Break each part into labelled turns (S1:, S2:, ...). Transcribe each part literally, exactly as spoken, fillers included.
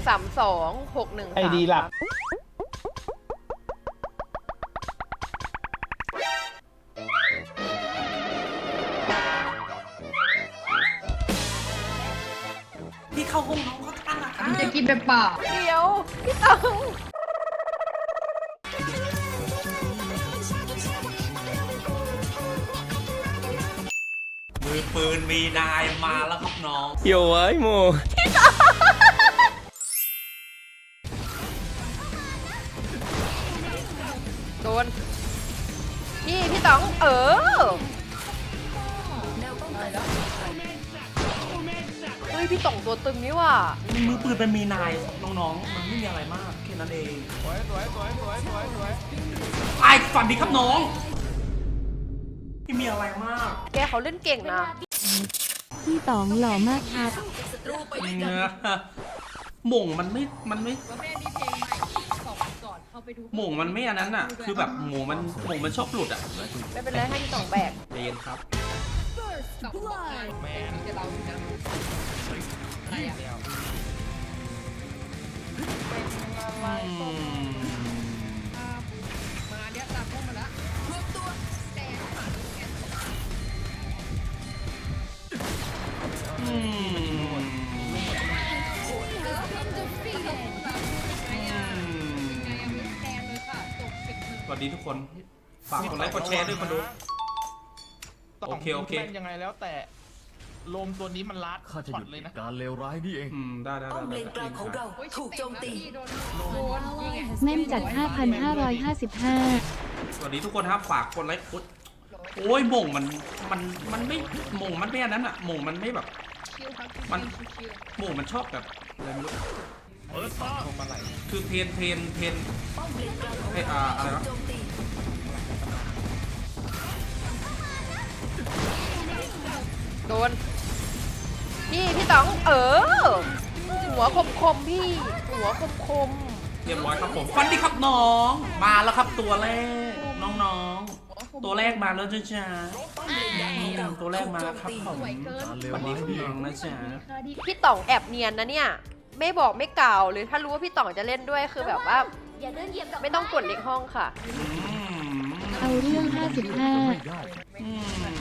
S1: สามสองหกหนึ่ง
S2: ไอดีหลัก
S3: พี่เข้าห้องน้องเขาตั้งอะค่ะ
S4: จะกินไปเปล่า
S1: เดี๋ยวพี่ตัง
S3: มือปืนมีนายมาแล้วครับน้อง
S5: โย่ไอ้โม
S1: โดนพี่พี่ต๋องเออเฮ้ยพี่ต๋องตัวตึงนี่ว่ะ
S3: มือปืนเป็นมีนายน้องๆมันไม่มีอะไรมากแค่นั้นเองสวยสวยสวยสวยสวยสวยไอ้ฝันดีครับน้องที่มีอะไรมาก
S1: แกเขาเล่นเก่งนะ
S6: พี่ต๋องหล่อมากครับ
S3: เนื้อหม่งมันไม่มันไม่
S4: แม่นี่เพลงใหม่สองวันก่อนเข้าไปดู
S3: หม่งมันไม่อันนั้นอ่ะคือแบบหม่งมันหม่งมันชอบหลุดอ่ะ
S1: ไม่เป็นไรให้พี่ต๋องแบก
S3: เดนครับ
S4: กับแม่นี่จะเราอยู่นะอะไรอ่ะ
S3: อืม
S4: มาเนี้ยตามพวกมาละรวมตัวแต่
S3: อืม
S4: แทนเลยค่ะจบสิบหนึ่ง
S3: สวัสดีทุกคนฝากกดไลค์กดแชร์ด้วยคนดู
S2: ต่
S3: โอเคโอเค
S2: แม่งยังไงแล้วแต่ลมตัวนี้มันลัด
S5: ข้าจะหยุด
S2: เลยนะ
S5: การเลวร้ายนี่เอง
S3: อืมได้ได้
S7: ป้อม
S3: ได้
S7: เลนกลางของเราถูกโจมตี
S4: โดนโดนยิงไง
S6: แม่มจัด ห้าพันห้าร้อยห้าสิบห้า
S3: สวัสดีทุกคนครับฝากกดไลค์กดโอ้ยหม่งมันมันมันไม่หม่งมันไม่อันนั้นอ่ะหม่งมันไม่แบบ
S4: ชิวครับ
S3: มัน
S4: ชิว
S3: หม่งมันชอบแบบอะไรไม่รู้
S2: เปิดตาลงมาไหล
S3: คือเพนเพนเพน
S7: ป้อมเลนกลางของ
S3: เอ้ย
S7: เรา
S3: อ่าอะไรวะ
S7: โจมตี
S1: โดนพี่พี่ต๋องเออหัวคมคมๆพี่หัวคมคม
S3: เรียบร้อยครับผมฟันดีครับน้อง มาแล้วครับตัวแรกน้องๆ ตัวแรกมาแล้วจ้าจ้า
S7: ป้อมเลนกลางของเรา
S3: ตัวแรกมาแล้วครับผม
S5: การเลว
S3: ฟันดี
S5: ร้าย
S3: ครับ
S5: นี่เอ
S3: น้อง งนะจ๊ะ
S1: ๆพี่ต๋องแอบเนียนนะเนี่ยไม่บอกไม่กล่าวเลยถ้ารู้ว่าพี่ต๋องจะเล่นด้วยคือแบบว่าไม่ต้องกดเล็กห้องค่ะ
S3: อืม
S6: เอาเรื่องห้าสิบห้า
S5: ไม่ได้
S3: อืม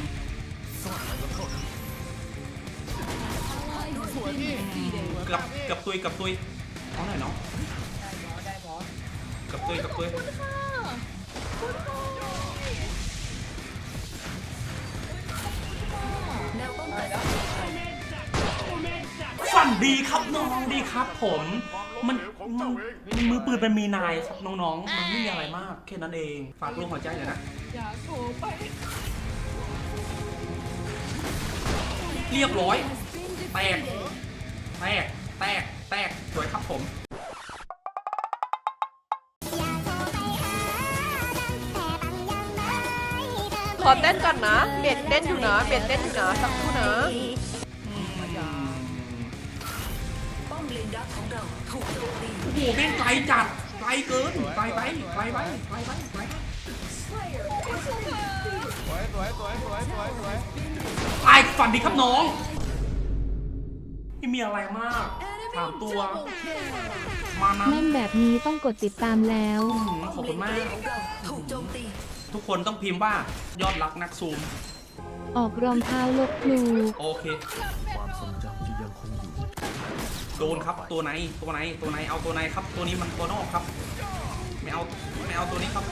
S2: สวยพี่
S3: เกือบเกือบตุยเกือบตุยเอาหน่อยเนาะ
S4: ได้บอส
S3: เกือบตุยเกือบตุย
S7: แนวป้องกัน
S3: ฝันดีครับน้องดีครับ ผมมันมันมือปืนเป็นมีนายครับน้องๆ มันไม่มีอะไรมากแค่นั้นเองฝากลงหัวใจหน่อยนะ
S4: อย่าโผล่ไป
S3: เรียบร้อยแตกแตกแตกแตกสวยครับผม
S1: ขอเต้นก่อนนะเบ็ดเต้นอยู่นะเบ็ดเต้นอยู่นะสักครู่นะ
S7: ป้อมเลนดักของเราถูกโจมตี
S3: โอ้โหแม่งไกลจัดไกลเกินไกลไปไกลไปไกลไปไกลไป
S2: สวยสวยสวยสวยสวยสวย
S3: ไอ้ฝันดีครับน้องไม่มีอะไรมากสามตัว มานะ
S6: แม่มแบบนี้ต้องกดติดตามแล้ว
S3: อื้อหือขอบคุณมาก
S7: ของเราถูกโจมตี
S3: ทุกคนต้องพิมพ์ว่ายอดรักนักซูม
S6: ออกรองเท้าลบครู
S3: โอเค
S5: ความทรงจำที่ยังคงอยู่
S3: โดนครับตัวไหนตัวไหนตัวไหนเอาตัวไหนครับ ตัวนี้มันตัวนอกครับ ไม่เอาไม่เอาตัวนี้ครับ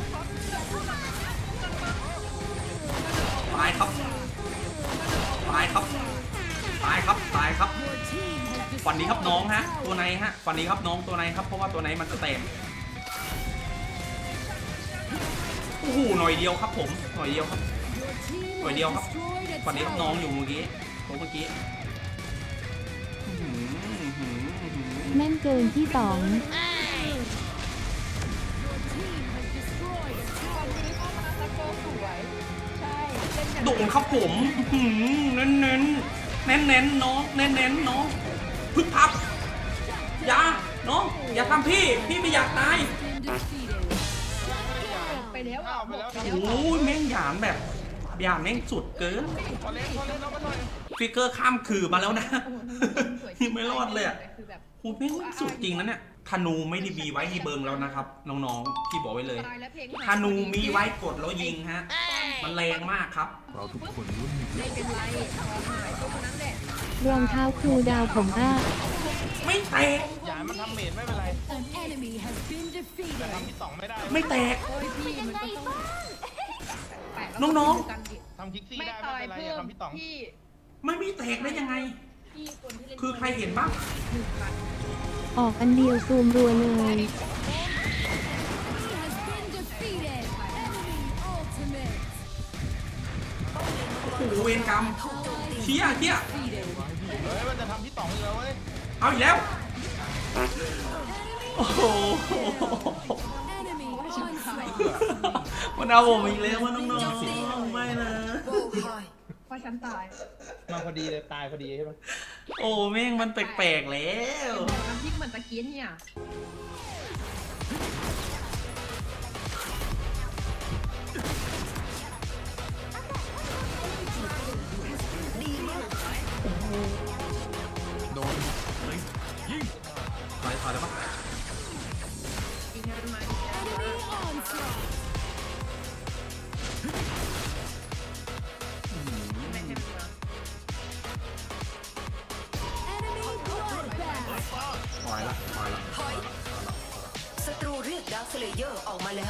S3: ตายครับตายครับตายครับตายครับฝันดีครับน้องฮะ ตัวไหนฮะฝันดีครับน้องตัวไหนครับเพราะว่าตัวไหนมันจะแตกโอ้โหหน่อยเดียวครับผมหน่อยเดียวครับหน่อยเดียวครับฝันดีครับน้องอยู่เมื่อกี้ตัวเมื่อกี้อื้อหืออื้อหืออื้อหือ
S6: แม่นเกินพี่ต๋อง
S3: โด่งครับผมเน้นเน้นเน้นเน้นๆน้องเน้นเน้นๆน้องพึ่งพับอย่าน้องอย่าทำพี่พี่ไม่อยากตาย
S4: ไปแล้ว
S2: ข้าวไปแล้ว
S3: โอ้ยแม่งหยามแบบหยามแม่งสุดเกิน
S2: พอเล่นพอเล่นแล้วมาหน่อย
S3: ฟิกเกอร์ข้ามคือมาแล้วนะ
S4: สวย
S3: ยังไม่รอดเลยอะ
S4: คือแบบ
S3: โหแม่งสุดจริงนะเนี่ยธนูไม่ได้มีไว้ให้เบิงแล้วนะครับน้องๆพี่บอกไว้เลย
S4: ตายแล้วเพลง
S3: ธนูมีไว้กดแล้วยิงฮะมันแรงมากครับ
S5: เราทุกคนล้วนมี
S4: ไม่เป็นไรพอหายตัวคนนั้นแหละ
S6: รองเท้าครูดาวผมอ้า
S3: ไม่แตก
S2: อย่าให้มันทำเมดไม่เป็นไรแต่ทำที่สองไม่ได้
S3: ไม่แตก
S4: โอ้ยพี่มันก็ต้องแปะแล้ว
S3: น้อง
S4: กันดิ
S2: ทำคิกซี่
S4: ไม่
S2: ได้
S4: ต่
S2: ไม่
S4: อย
S2: เป็นไร
S4: เพิ่
S2: อย่าม ทำที่สอง
S4: พี่
S3: ไม่มีแตกได้ยังไง
S4: พี่คนที่เล่น
S3: คือใครเห็นบ้าง
S4: หนึ่งพัน
S6: ออกอันเดียวซูมรัวเลย
S3: โอ้โหเวรกรรมเชี่ยเชี่ย
S2: เฮ้ยมันจะทำที่สองอีกแล้วเว้ย
S3: เอาอีกแล้วโอ้โหมันเอาผมอีกแล้วว่าน้องๆไม่นะ
S4: เพราะฉันตาย
S2: มาพอดีเลยตายพอดีใช่ไหม
S3: โอ้แม่งมันแปลกๆแล้ว
S4: บอกน้ำพริกเหมือนตะเกียนเนี่ย
S5: โดนเลยยิง
S3: ถอยถอยได้ปะ
S4: จริงนะไหมไม่ใช่มา
S3: ถอยละถอยละถอยละ
S7: ศัตรูเรียกดาร์คเลเยอร์ออกมาแล้ว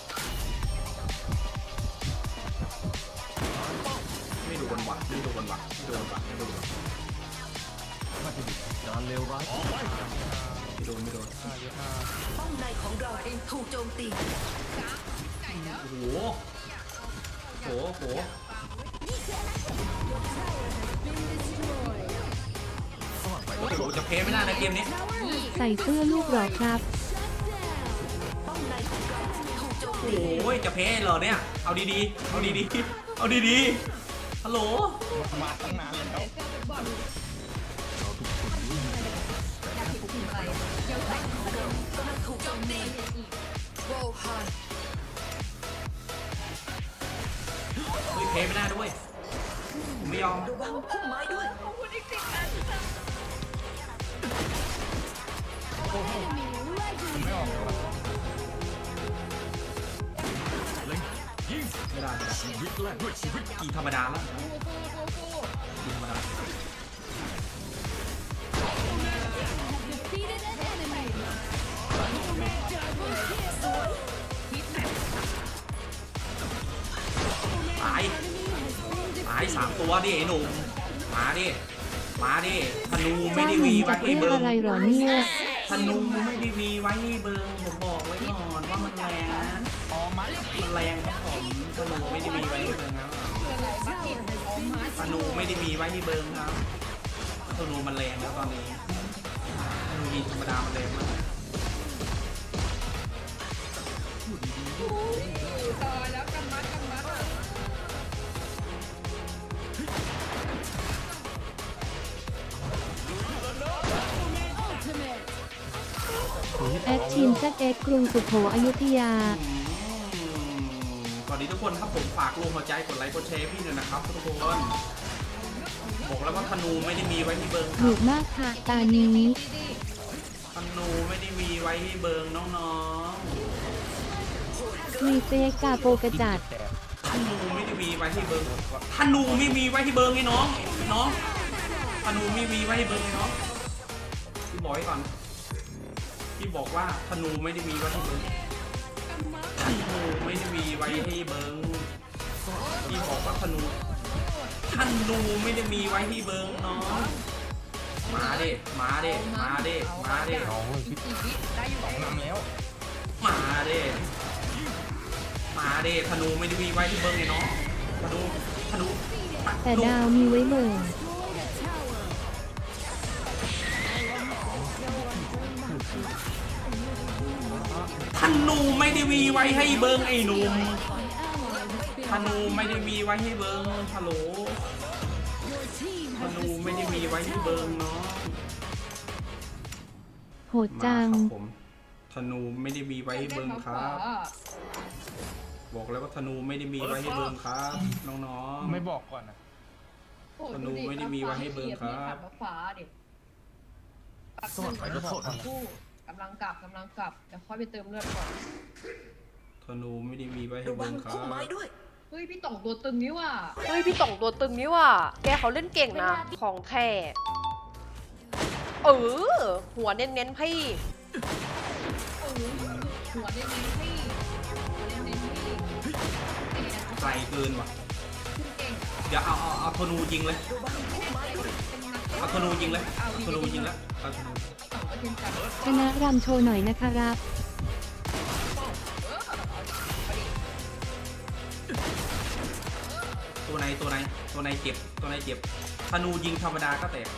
S3: ไม่โดนว่ะไม่โดนว่ะไม่โดนว่ะไม่โดนว่ะ
S5: มาถึงการเลวร้าย
S3: ไม่โดนไม่โดน
S7: ป้อมในของเราถูกโจมตี
S3: โอ้โหโหโหโอ้โหจะเพลไม่ได้นะเกมนี้
S6: ใส่เสื้อลูกหรอครับ
S7: ป้อมในของเราถูกโจมตี
S3: โอ้ยจะเพลเหรอเนี่ยเอาดีๆเอาดีๆเอาดีๆฮัลโหล
S2: มาตั้งนานแล้ว
S5: เราทุกคนล้วนมี
S7: กำลังถูกโจมตีโวฮาน
S3: เฮ้ยเพลไม่ได้ด้วยผมไม่ยอม
S7: ระวังพุ่มไม้ด้วย
S2: ไม่ออกเลยว่ะ
S5: เลยยิง
S3: ไม่ได้ไม่ได้
S5: ชีวิตแลกด้วยชีวิต
S3: กีธรรมดาแล้วกีธรรมดาตายตายสามตัวดิไอ้หนุ่มมาดิมาดิธนูไม่
S6: จ้า
S3: ได้
S6: หนุ่
S3: วี
S6: ม
S3: ไว้
S6: จาก
S3: ให้
S6: เรื่อง
S3: เบิง
S6: อะไรหรอเนี่ย
S3: ธนูไม่ได้วีไว้ให้เบิงผมบอกไว้ก่อนว่ามันแรงนะ
S2: อ๋อมัด
S3: มันแรงครับผมธนูไม่ได้มีไว้ให้เบิงครับธนูไม่ได้มีไว้ให้เบิงครับธนูมันแรงแล้วตอนนี้ธนูยิงธรรมดามันแรงมาก
S4: ต่อแล้วกำมัดกำมัด
S6: แอดชินแซดเอ็กกรุงสุโขอยุธยา
S3: สวัสดีทุกคนครับผมฝากลงหัวใจกดไลค์กดแชร์พี่หน่อยนะครับทุกคนบอกแล้วว่าธนูไม่ได้มีไว้ที่เบิงค
S6: ห
S3: รั
S6: นุ
S3: บ
S6: กมากค่ะตานี้
S3: ธนูไม่ได้มีไว้ที่เบิงน้อง
S6: มีเฟกกาโปกระจัด
S3: ๆธนูไม่ได้มีไว้ที่เบิงธนูไม่มีไว้ที่เบิงไอ้น้องน้องธนูไม่มีไว้ที่เบิงไอ้น้องพี่บอกไว้ก่อนพี่บอกว่าธนูไม่ได้มีไว้ที่เบิงธนูไม่ได้มีไว้ที่เบิงพี่บอกว่าธนูธนูไม่ได้มีไว้ที่เบิงน้องมาดิมาดิมาดิมาดิ
S2: น้องเลยพี่
S4: อีกวิได้อยู่
S2: สองนำแล้ว
S3: มาดิมาดิธนูไม่ได้มีไว้ที่เบิงไงน้องธนูธนู
S6: แต่ดาวมีไว้เบิ่ง
S3: ธนูไม่ได้มีไว้ให้เบิงไอ้หนุ่มธนูไม่ได้มีไว้ให้เบิงฮัลโหลธนูไม่ได้มีไว้ให้เบิงเนาะ
S6: โหด
S3: มา
S6: จัง
S3: ครับผมธนูไม่ได้มีไว้ให้เบิงครับ บอกแล้วว่าธนูไม่ได้มีไว้ให้เบิงครับน้องๆ
S2: ไม่บอกก่อนนะ
S4: โอ้
S3: ธนูไม่ได้มีไว้ให้เบิร์นครับ
S4: ขับฟ้าเด็ก
S5: สวัสดีครับ
S4: คู่กำลังกลับกำลังกลับเดี๋ยวค่อยไปเติมเลือดก่อน
S3: ธนูไม่ได้มีไว้ให้
S7: ระวั
S3: เบิ
S7: ง
S3: ร์นครั
S7: พุ่มไม้
S3: บ
S7: ด้วย
S4: เฮ้ยพี่ต่องตัวตึงนี่ว่ะ
S1: เฮ้ยพี่ต่องตัวตึงนี่ว่ะแกเขาเล่นเก่งนะ ของแท้เออ หัวเน้นๆพี่
S4: โอ้โหหัวเน้นๆพี่หัวเน้นๆพี่เก่ง
S3: ไกลเกินว่ะ
S4: เก่ง
S3: เดี๋ยวเอาเอาเอาธนูยิงเลย
S4: เป็นนัก
S3: เอาธนูยิงเลยเอาธนูยิงแล้วเอาธนู
S4: ต่องก็เทียมกัน
S6: คณะรำโชว์หน่อยนะครับ
S3: ตัวในตัวในตัวในเจ็บตัวในเจ็บธนูยิงธรรมดาก็แตก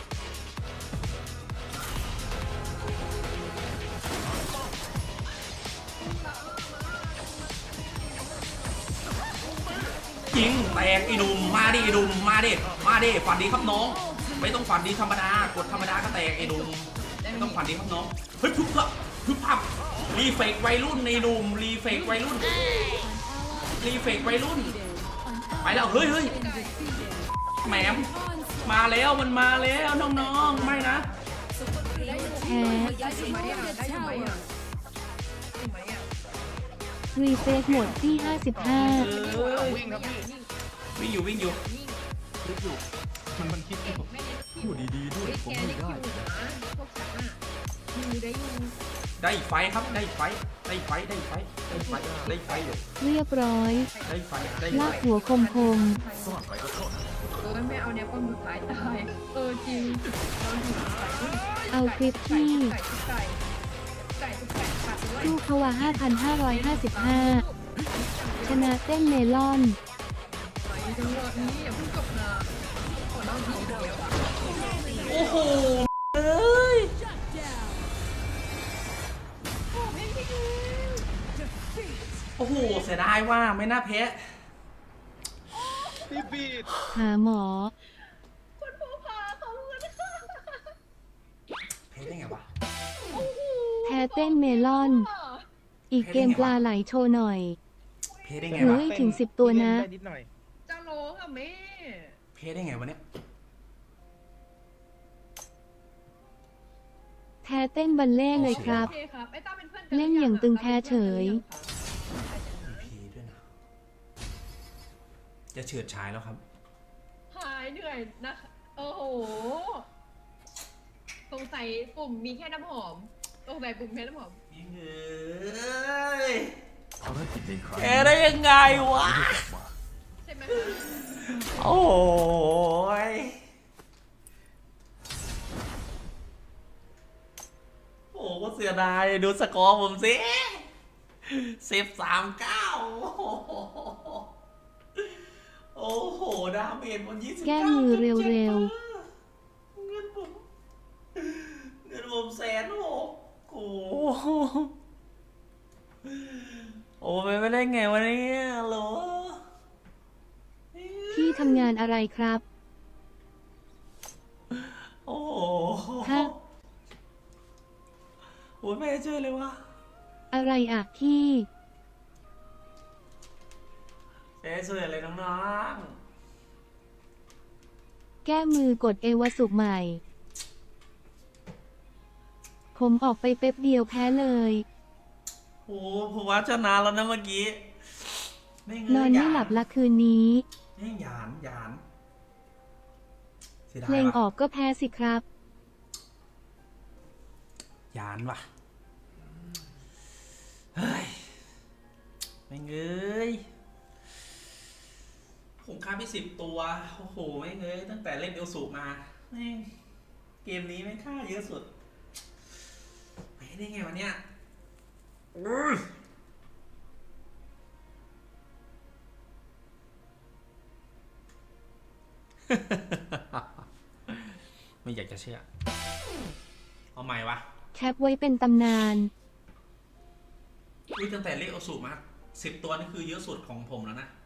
S3: ยิงแตกไอ้หนุ่มมาดิไอ้หนุ่มมาดิมาดิฝันดีครับน้อง ไม่ต้องฝันดีธรรมดากดธรรมดาก็แตกไอ้หนุ่มไม่ต้องฝันดีครับน้องเฮ้ยพึบพับพึบพับรีเฟกวัยรุ่นในหนุ่มรีเฟกวัยรุ่นรีเฟกวัยรุ่นไปแล้วเฮ้ยเฮ้ยแหมมมาแล้วมันมาแล้วน้องๆไม่นะ
S6: แพ้
S4: ได้อยู่ไหมอ่ะได้อยู่ไหมอ่ะได้อยู่ไหมอ่ะ
S6: รีเฟซหมดที่ห้าสิบห้า
S3: เอ้ย
S2: วิ่งครับพี่
S3: วิ่งอยู่วิ่งอยู่
S2: คิดอยู่มันมันคิดอยู่
S5: พูดดีๆด้วย ผมไม่ได้
S4: พวกฉันอ่ะอยู่ได้อยู่
S3: ได้ไฟครับได้ไฟได้ไฟได้ไฟได้ไฟได้ไฟอยู่
S6: เรียบร้อย
S3: ได้ไฟได้
S6: ลา
S3: ไฟ
S6: กหัวคมคม
S5: ซ่อนไปก็ซ่อน
S4: เออไม่เอาเนี่ยป้อมสุดท้ายตายเออจริงเราอยู่ใส่
S6: ๆเอาคลิป
S4: ไก่
S6: ที่
S4: ไก่ไก่ไก่ไก่ขาดด้วย
S6: ลูกเขาว่าห้าพันห้าร้อยห้าสิบห้าชนะเต้นเมลอน
S4: ไหนจังหวะนี้อย่าเพิ่งจบนะขอเล่าทีเดียวอ่ะ
S3: โอ้โหเอ้ยโอ้โหเสียดายว่าไม่น่าแพ้
S2: พี่บีด
S6: หาหมอ
S4: คนผู้พาเขาเงิน
S3: แพ้ได้ไงวะ
S6: แพ้เต้นเมลอน อีกเกมปลาไหลโชว์หน่อย
S3: แพ้ได้ไง
S6: เฮ้
S3: วะ
S6: ยถึงสิบตัวนะ
S2: ได้นิดหน่อย
S4: จะร้องอ่ะแม่
S3: แพ้ได้ไงวะเนี่ย
S6: แพ้เต้นบัลเล่ต์เลยครับ
S4: โอเคครับไอ้ต้าเป็นเพื่อน
S6: เล่นอย่างตึงแพ้เฉย
S3: พีด้วยนะจะเฉิดฉายแล้วครับ
S4: หายเหนื่อยนะโอ้โหสงสัยปุ่มมีแค่น้ำหอมสงสัยปุ่มแค่น้ำหอม
S3: เฮ้ย
S5: ภารกิจในครั้ง
S3: แพ้ได้ยังไงวะ
S4: ใช่ไหม
S3: โอ้ยโอ้ก็เสียดายดูสกอร์ผมสิสิบสามเก้าโอ้โหดาเมจมันยี่สิบ
S6: แก้มือเร็ว
S3: เงินผมเงินผมแสนหกโอ้โหโอ้ไปไม่ได้ไงวะเนี่ยโหล
S6: พี่ทำงานอะไรครับ
S3: โอ้โห
S6: ฮะ
S3: โอ้ยไม่เชื่อเลยวะ
S6: อะไรอ่ะพี่
S3: เจ๊ช่วยอะไรน้อง
S6: แก้มือกดเอวสุกใหม่ ผมออกไปเป๊บเดียวแพ้เลย
S3: ๆโอ้ผมว่าชนะแล้วนะเมื่อกี้ไม่เงย
S6: นอนไม่หลับละคืนนี้
S3: นี่หยานหยานเสียดา
S6: เพล
S3: ย
S6: งอ
S3: ว่ะ
S6: อกก็แพ้สิครับ
S3: หยานว่ะเฮ้ยไม่เงยผมฆ่าไปสิบตัวโอ้โหไม่เงยตั้งแต่เล่นเอลสูมาแม่งเกมนี้ไม่ฆ่าเยอะสุดไปได้ไงวะเนี่ยอื้อ ไม่อยากจะเชื่อ เอาใหม่วะ
S6: แคปไว้เป็นตำนาน
S3: อุ้ยตั้งแต่เรียกเอาสูตรมาสิบตัวนี่คือเยอะสุดของผมแล้วนะ